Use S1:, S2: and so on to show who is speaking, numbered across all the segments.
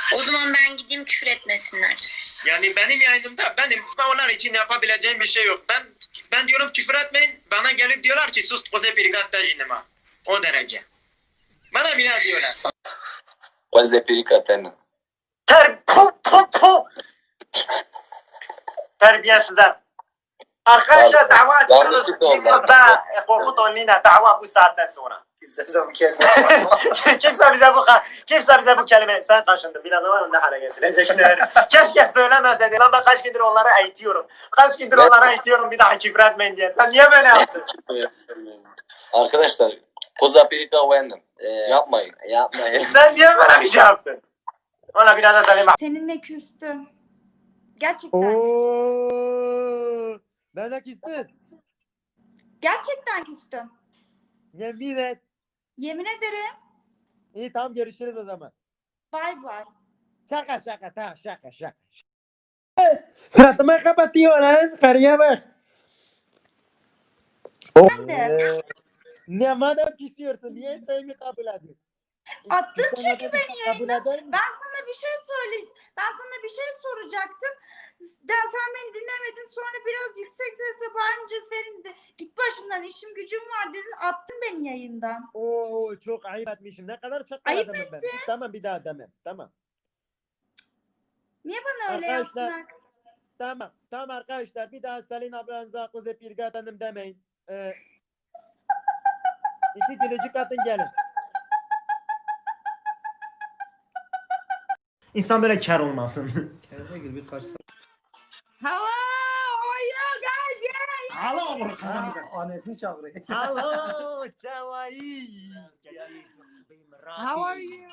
S1: O zaman ben gideyim, küfür etmesinler.
S2: Yani benim yayınımda benim onlar için yapabileceğim bir şey yok. Ben diyorum küfür etmeyin. Bana gelip diyorlar ki sus koze pirgatta jinima. O derece. Bana bile diyorlar.
S3: Koze pirgatta.
S2: Terbiyesizler. Arkadaşlar dava açıyoruz. Yılmaz'da Korkut Onli'ne dava bu saatten sonra. Kimse bize bu kelime sen kaşındın. Biraz var ne hale getirecekler. Keşke söylemeseydin. Lan ben kaç gündür onları eğitiyorum. Bir daha küfür etmeyin diye. Sen niye böyle yaptın?
S3: Arkadaşlar koza pirgatta uyandım. Yapmayın.
S2: Sen niye böyle bir şey yaptın? Ona biraz da söyleyeyim.
S4: Seninle küstüm. Gerçekten.
S5: Oo, ben de küstüm.
S4: Gerçekten küstüm.
S5: Yemin et.
S4: Yemin ederim.
S5: İyi tamam görüşürüz o zaman.
S4: Bay bay.
S5: Şaka tamam şaka. Suratıma kapatıyor lan. Karıya bak.
S4: Ben de.
S5: Ne madem küsüyorsun? Niye isteğimi kabul ediyorsun?
S4: Attın
S5: İstemeden
S4: çünkü beni
S5: kabul
S4: yayından.
S5: eder misin?
S4: Ben sana bir şey soracaktım. Sen beni dinlemedin. Sonra biraz yüksek sesle bağırınca senin de git başımdan, işim gücüm var dedin. Attın beni yayından.
S5: Oo çok ayıp etmişim. Ne kadar çok
S4: Ayıp
S5: adamım ben. Tamam bir daha demem. Tamam.
S4: Niye bana öyle
S5: Arkadaşlar,
S4: yaptın?
S5: Tamam arkadaşlar bir daha Selin ablanıza Koze Pirgat Hanım demeyin. İki gülücük atın gelin.
S2: İnsan böyle kar olmasın.
S6: Kendine gir bir karşı.
S7: Hello, how are you guys?
S2: Hello.
S6: Annesini çağırıyor.
S2: Hello, Çavai.
S7: How are you?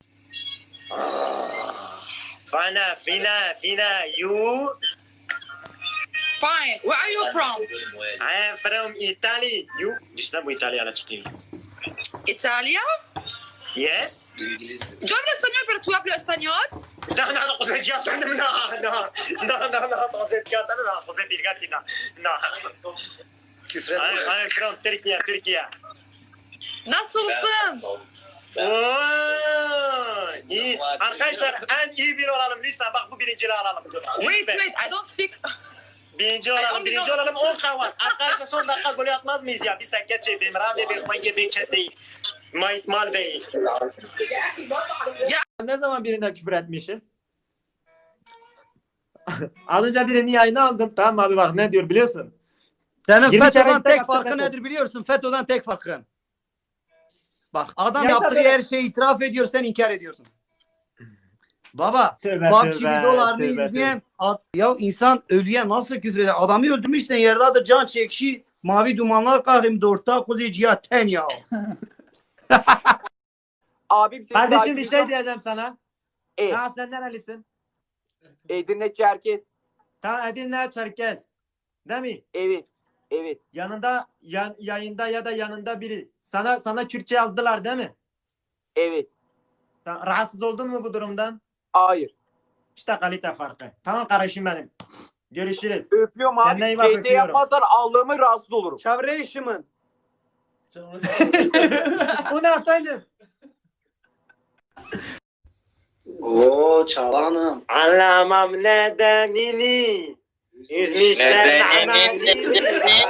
S2: Fina, you?
S7: Fine. Where are you from?
S2: I am from Italy. You? İşte bu İtalyan'a çıkıyor.
S7: Italia?
S2: Yes?
S7: Yo hablo español, pero tú hablas español.
S2: No, Koze Pirgat'ın no, Koze Pirgat'ın no.
S6: Küfür
S2: I
S6: etme.
S2: am from Türkiye.
S7: Nasılsın?
S2: Oo, iyi. Arkadaşlar en iyi biri olalım lütfen. Bak bu birinciliği alalım.
S7: Wait, I don't speak.
S2: Birinci olalım 10 kavan. Arkadaşlar son dakika golü atmaz mıyız ya? Bir sakya çekeyim. Rade bir hangi bir keseyi. Mal değil. Ne zaman birine küfür etmişim? Az önce birini yayına aldım. Tamam abi bak ne diyor biliyorsun?
S6: Senin
S2: 20 kere
S6: FETÖ'den
S2: istek
S6: tek
S2: yaptı
S6: farkı
S2: FETÖ.
S6: nedir biliyorsun? FETÖ'den tek farkın. Bak adam
S2: Ya
S6: yaptığı
S2: tabii.
S6: her şeyi itiraf ediyor, sen inkar ediyorsun. Baba,
S2: Tövbe,
S6: PUBG
S2: tövbe,
S6: videolarını
S2: tövbe,
S6: izleyen ya insan ölüye nasıl küfür eder? Adamı öldürmüşsen yerlerde can çekişi, mavi dumanlar kahrimde orta kuzeyciya ten ya.
S8: Abim seni
S2: Kardeşim bir
S8: takip
S2: şey
S8: ediyorum.
S2: diyeceğim sana.
S8: Evet.
S2: Sen aslen nerelisin?
S8: Edirne Çerkez.
S2: Ta Edirne Çerkez. Değil mi?
S8: Evet.
S2: Yanında yayında ya da yanında biri. Sana Kürtçe yazdılar değil mi?
S8: Evet.
S2: Rahatsız oldun mu bu durumdan?
S8: Hayır.
S2: İşte kalite farkı. Tamam kardeşim benim. Görüşürüz.
S8: Öpüyorum abi.
S2: Kendine iyi bak,
S8: Şeyde
S2: öpüyorum.
S8: yapmazsan Allah'ımı rahatsız olurum.
S6: Çavreşimin.
S2: Bu ne efendim?
S6: Oo Çağlan'ım.
S2: Anlamam nedenini. Üzmüşler amelini.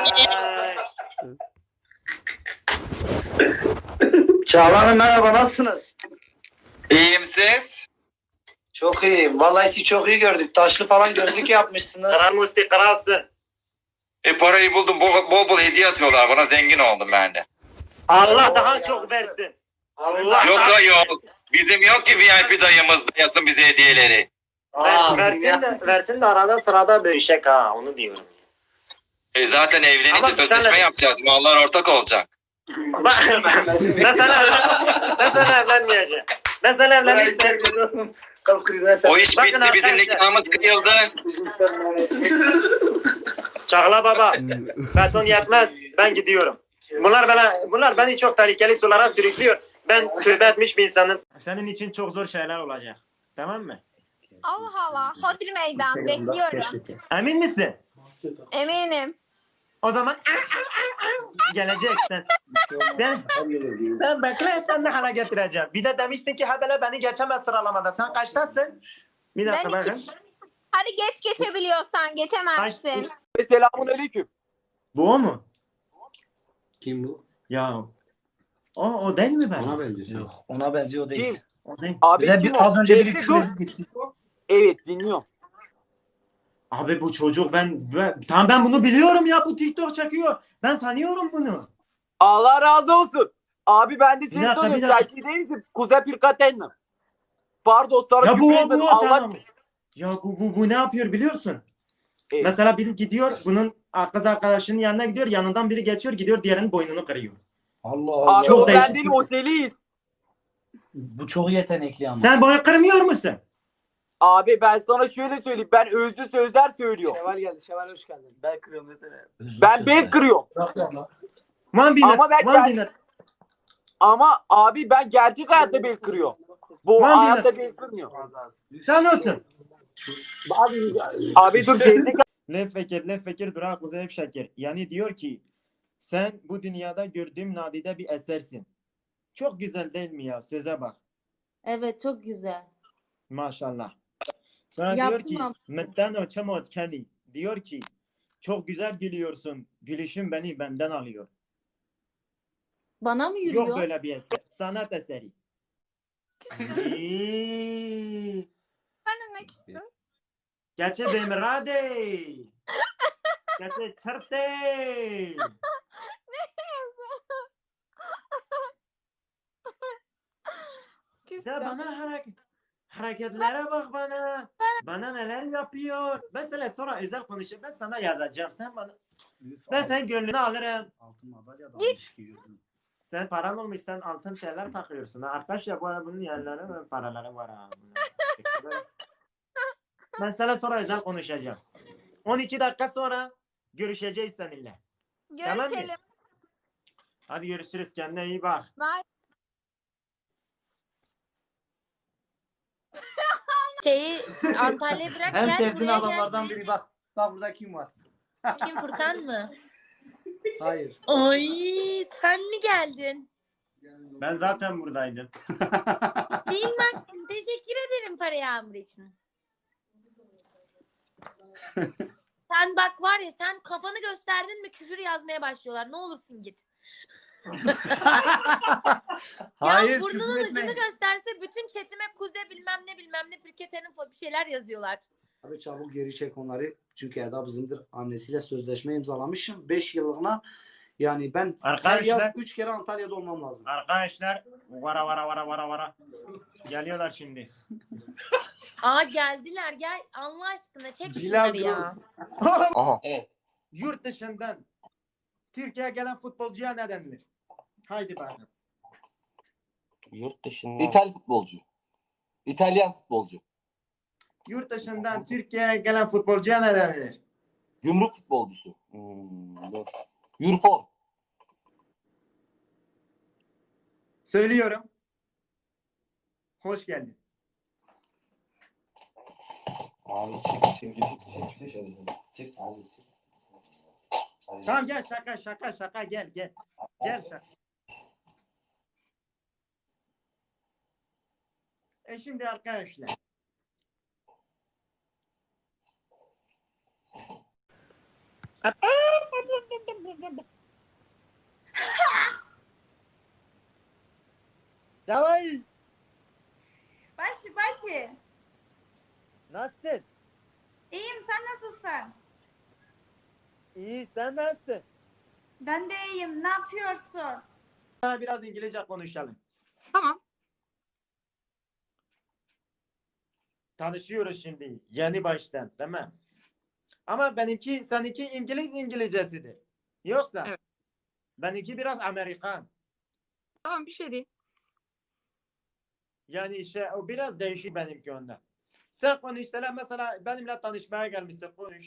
S6: Çağlan'ım merhaba, nasılsınız?
S3: İyiyim siz?
S6: Çok iyiyim. Vallahi sizi çok iyi gördük. Taşlı falan gözlük yapmışsınız.
S2: Kral Musti kralsın.
S3: Parayı buldum. Bol hediye atıyorlar bana. Zengin oldum ben de.
S2: Allah daha çok versin. Allah
S3: Yok. Bizim yok ki VIP dayımız yasın bize hediyeleri.
S2: versin de arada sırada bölüşecek ha onu diyorum.
S3: Zaten
S2: Ama
S3: evlenince sözleşme
S2: sen-
S3: yapacağız. Mallar ortak olacak.
S2: Mesela evlenmeyeceğim. Mesela evlenirsen
S6: Kalp krizine sen.
S3: O iş
S2: Bakın
S3: bitti. Bizim
S2: arkadaşlar.
S3: nikahımız kıyıldı.
S2: Çağla baba. Beton yetmez. Ben gidiyorum. Bunlar beni çok tehlikeli sulara sürüklüyor. Ben tövbe etmiş bir insanım. Senin için çok zor şeyler olacak. Tamam mı?
S1: Allah Allah. Hodri meydan. Bekliyorum.
S2: Emin misin?
S1: Eminim.
S2: O zaman Gelecek sen. Sen bekle, sen ne hale getireceğim. Bir de demişsin ki habele beni geçemez sıralamada. Sen kaçtasın? Bir dakika
S1: Ben
S2: bakın.
S1: Hadi geçebiliyorsan geçemezsin.
S8: Ve selamun aleyküm.
S2: Bu o mu?
S6: Kim bu?
S2: Ya. O değil mi ben?
S6: Ona benziyor. Yok, ona benziyor değil.
S8: Kim?
S2: O değil.
S8: Abi
S6: Bize
S8: kim o?
S6: az önce biri
S8: Bekle,
S6: küfür
S8: dur.
S6: edip gitti.
S8: Evet dinliyorum.
S2: Abi bu çocuk tamam ben bunu biliyorum ya, bu TikTok çekiyor. Ben tanıyorum bunu.
S8: Allah razı olsun. Abi ben de
S2: Bir
S8: seni
S2: dakika,
S8: tanıyorum.
S2: bir dakika.
S8: Sen şey değil misin? Kuzey Pirkaten'le. Pardon sana
S2: Ya
S8: küfür
S2: bu
S8: etmedim.
S2: o
S8: Allah...
S2: tamam. Ya bu ne yapıyor biliyorsun?
S8: Evet.
S2: Mesela biri gidiyor, bunun kız arkadaşının yanına gidiyor, yanından biri geçiyor, gidiyor diğerinin boynunu kırıyor.
S6: Allah Allah.
S8: Abi
S2: Çok
S8: o ben
S2: değişik.
S8: değilim, o Seliyiz.
S6: Bu çok yetenekli ama.
S2: Sen boynu kırmıyor musun?
S8: Abi ben sana şöyle söyleyeyim. Ben özlü sözler söylüyorum.
S5: Şevval geldi. Şevval hoş geldin. Ben kırıyorum desene.
S8: Ben bel kırıyorum.
S2: One minute,
S8: Ama ben
S2: one minute.
S8: Ama abi ben gerçek hayatta bel kırıyorum. Bu
S2: Lan
S8: hayatta bel kırmıyor.
S2: Sen olsun.
S8: Abi dur gezdik.
S2: Ne fikir durak hep şeker. Yani diyor ki sen bu dünyada gördüğüm nadide bir esersin. Çok güzel değil mi ya? Söze bak.
S9: Evet çok güzel.
S2: Maşallah. Sonra
S9: Yaptım
S2: diyor ki
S9: ama.
S2: metten öçemot kendi. Diyor ki çok güzel gülüyorsun. Gülüşün beni benden alıyor.
S9: Bana mı yürüyor?
S2: Yok böyle bir eser. Sanat eseri.
S7: Ben de ne istedim?
S2: Geçe bemirade. Geçe çırte. Ya bana hareketlere bak bana. Bana neler yapıyor. Mesela sonra özel konuşup ben sana yazacağım. Sen bana ben senin gönlünü alırım.
S6: Altın madalya da
S9: Git.
S6: almış.
S2: Sen paran olmuş, sen altın şeyler takıyorsun. Ha. Arkadaş ya bu arada bunun yerleri ve paraları var ha. Ben sana sonra özel konuşacağım. 12 dakika sonra görüşeceğiz seninle. Tamam mı?
S1: Görüşelim.
S2: Hadi görüşürüz. Kendine iyi bak.
S1: Bye.
S9: Şeyi Antalya'ya bırak
S6: En
S9: gel
S6: sevdiğin
S9: buraya
S6: adamlardan
S9: gel.
S6: biri bak. Bak burada kim var?
S9: Kim Furkan mı?
S6: Hayır.
S9: Ay sen mi geldin?
S2: Ben zaten buradaydım.
S9: Değil Maxim. Teşekkür ederim para yağmuru için. Sen bak var ya sen kafanı gösterdin mi küfür yazmaya başlıyorlar. Ne olursun git.
S6: Hayır.
S9: Ya burnunun
S6: küfür etme.
S9: ucunu gösterse bütün chatime kuze bilmem ne pirketenin bir şeyler yazıyorlar.
S6: Abi çabuk geri çek onları. Çünkü Eda bizimdir. Annesiyle sözleşme imzalamışım. 5 yıllığına yani ben her
S2: Arkadaşlar-
S6: yaz 3 kere Antalya'da olmam lazım.
S2: Arkadaşlar vara. Geliyorlar şimdi.
S9: Aa geldiler gel Allah aşkına çek
S6: Bilal
S9: şunları ya.
S8: Aha.
S2: Yurt dışından Türkiye'ye gelen futbolcuya ne denilir? Haydi bakalım.
S8: Yurt dışında. İtalyan futbolcu. İtalyan futbolcu.
S2: Yurt dışından Türkiye'ye gelen futbolcuya ne denilir?
S8: Gümrük futbolcusu. Yurfor.
S2: Söylüyorum. Hoş geldin.
S8: Abi çık.
S2: Tamam gel şaka gel. Gel şaka. Şimdi arkadaşlar.
S5: Şevval.
S4: Başı.
S5: Nasılsın?
S4: İyiyim sen nasılsın?
S5: İyi sen nasılsın?
S4: Ben de iyiyim. Ne yapıyorsun?
S2: Sana biraz İngilizce konuşalım.
S7: Tamam.
S2: Tanışıyoruz şimdi. Yeni baştan. Tamam. Ama seninki İngilizcesidir. Yoksa
S7: Evet.
S2: benimki biraz Amerikan.
S7: Tamam bir şey değil.
S2: Yani o biraz değişik benimki ondan. Sen konuşsana mesela benimle tanışmaya gelmişsin konuş.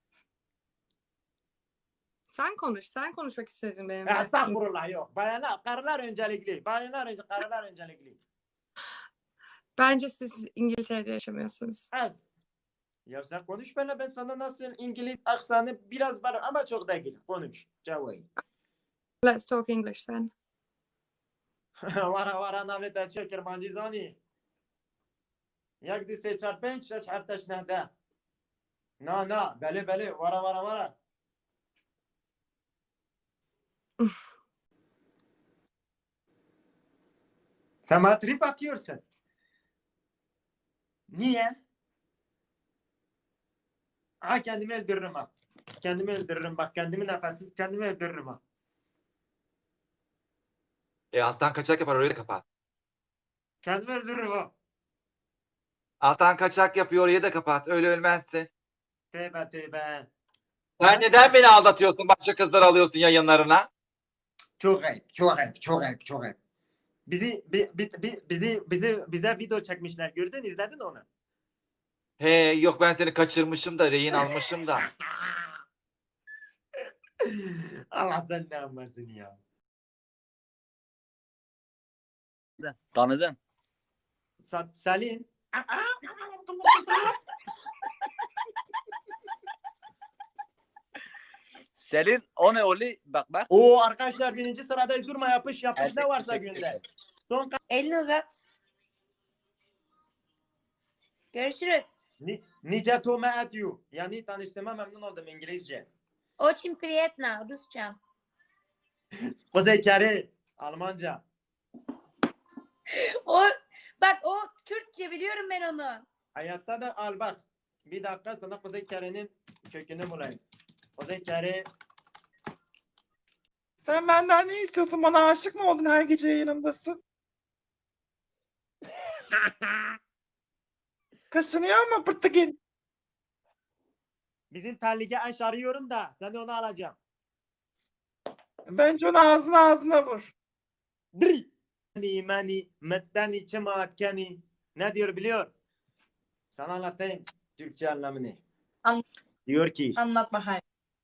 S7: Sen konuş. Sen konuşmak istedin benimle.
S2: Estağfurullah yok. Karılar öncelikli. Karılar öncelikli.
S7: Bence siz İngiltere'de yaşamıyorsunuz.
S2: Ya sen konuş benimle, ben sana nasıl İngiliz aksanı biraz var ama çok değil. Konuş. Cevap.
S7: Let's talk English then.
S2: Vara vara navleta çekir mancizani. Yak du se çar penç şaş hartaş nehde. Na bele bele vara. Sen bana trip atıyorsun. Niye? Ha kendimi öldürürüm ha. Kendimi öldürürüm bak kendimi nefessiz kendimi öldürürüm ha.
S3: Alttan kaçak yapar orayı da kapat.
S2: Kendimi öldürürüm ha.
S3: Alttan kaçak yapıyor orayı da kapat. Öyle ölmezsin.
S2: Tövbe.
S3: Sen neden beni aldatıyorsun? Başka kızlar alıyorsun yayınlarına.
S2: Çok ayıp. Bize video çekmişler. Gördün izledin onu.
S3: He yok ben seni kaçırmışım da rehin almışım da.
S2: Allah sen ne yapmasın ya.
S8: Tanıdın.
S2: Selin.
S8: Selin o ne oli? Bak.
S2: Oo arkadaşlar birinci sırada durma yapış ne varsa gönder. Son
S9: Elini uzat. Görüşürüz.
S2: Nice to meet you. Yani tanıştığıma memnun oldum İngilizce.
S9: Очень приятно. Rusça.
S2: Kuzey Kere. Almanca.
S9: O Türkçe biliyorum ben onu.
S2: Hayatta da al bak. Bir dakika sana Kuzey Kere'nin kökünü bulayım. Kuzey Kere.
S10: Sen benden ne istiyorsun? Bana aşık mı oldun her gece yanımdasın? Kaşınıyor mu pırtıgil?
S2: Bizim terlige aş arıyorum da sen de onu alacağım.
S10: Bence onu ağzına vur.
S2: Dri. Mani mettani çematkeni. Ne diyor biliyor? Sana anlatayım Türkçe anlamını. Diyor ki
S4: Anlat bakayım.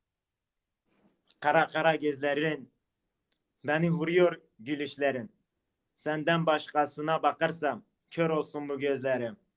S2: kara gözlerin beni vuruyor gülüşlerin. Senden başkasına bakarsam kör olsun bu gözlerim.